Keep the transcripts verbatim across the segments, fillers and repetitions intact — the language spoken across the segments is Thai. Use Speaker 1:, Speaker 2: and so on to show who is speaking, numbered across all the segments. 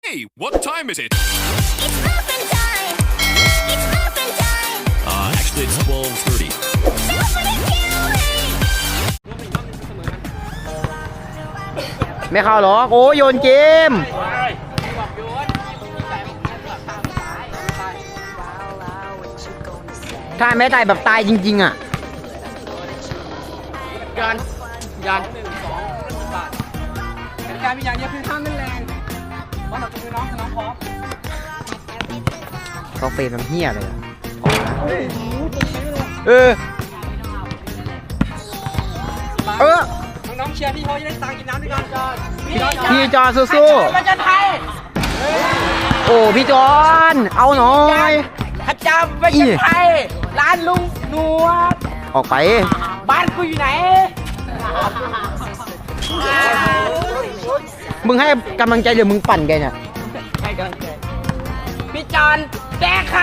Speaker 1: Hey, what time is it?
Speaker 2: It's muffin time! It's muffin time!
Speaker 1: Uh, actually, it's twelve thirty.
Speaker 2: Super killing!
Speaker 3: ไม่เข้าหรอกโอ้โยนเกมถ้าไม่ตายแบบตายจริงๆอ่ะ
Speaker 4: ยันยันหนึ่งสองบาทเป็นการมีอย่างเดียวคือห้ามเล่นแรงว่าเราจะไปน้องน้องพร้อม
Speaker 3: เขาเฟรมน้ำเหี้ยเลยอะเออเออ
Speaker 4: น้องๆเชียร์พี่เขาจะได้ตังค์กินน้ำด้วยกันจอน
Speaker 3: พี่จอสู้
Speaker 4: ประจันไทย
Speaker 3: ๆโอ้พี่จอนเอาหน่อย
Speaker 4: อาจารย์ประจันไทยร้านลุงหนวด
Speaker 3: ออกไป
Speaker 4: บ้านกูอยู่ไหน
Speaker 3: มึงให้กำลังใจหรือมึงปั่นแกเนี่ย
Speaker 4: ให้กำลังใจพี่จอนแดกใคร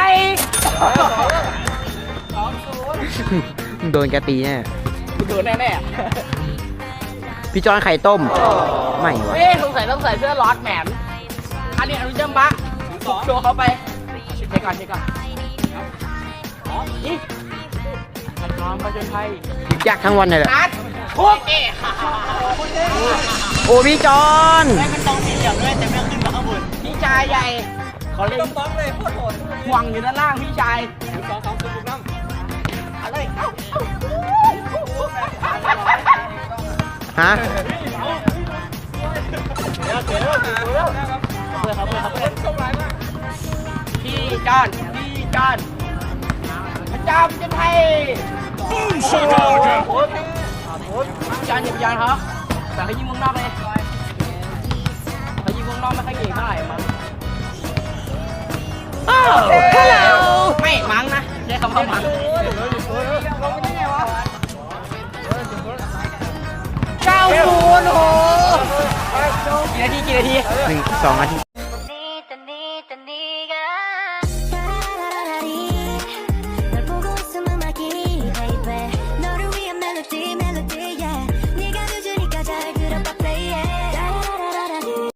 Speaker 3: โดนแกตีแน่
Speaker 4: กูโดนแน่
Speaker 3: พี่จอนไข่ต้ม ไม่
Speaker 4: ๆ
Speaker 3: วะ
Speaker 4: เอ๊ะสงสัยต้องใส่เสื้อลอดแหมมอันนี้อนุจัมบะโชว์เขาไปเช็คก่อนเช็คก่อนอ๋อนี่น้องประจันไทย
Speaker 3: ยากทั้งวันเลยแหละ
Speaker 4: นัดคุกเอ๋
Speaker 3: โอ้พี่จอน
Speaker 4: แม่เป็นต้องมีเหลี่ยมด้วยแต่ไม่ขึ้นมาข้างบนพี่ชายใหญ่เขาเล่นต้องเลยโคตรโหดห่วงอยู่ด้านล่างพี่ชายสองสองสุดน้ำอะไรเอ้า
Speaker 3: ฮะ
Speaker 4: เดี๋ยวเดี๋ยวเดี๋ยวเพื่อนเขาเพื่อนเขาเพื่อนส่งไลน์มาพี่จอนพี่จอนพระเจ้าจะให้
Speaker 1: Boom shakalaka!
Speaker 4: โอ้โหจอนอย่าไปยอนเขาแต่เขายิงวงนอกเลยเขายิงวงนอกไม่ค่อยเก่งเท่าไหร่มั้งอ้าวฮัลโหลไม่มั้งนะใช้คำว่ามั้งเก้าศูนย์โอ้โหกี่นาทีกี่นาที
Speaker 3: หนึ่งสองนาที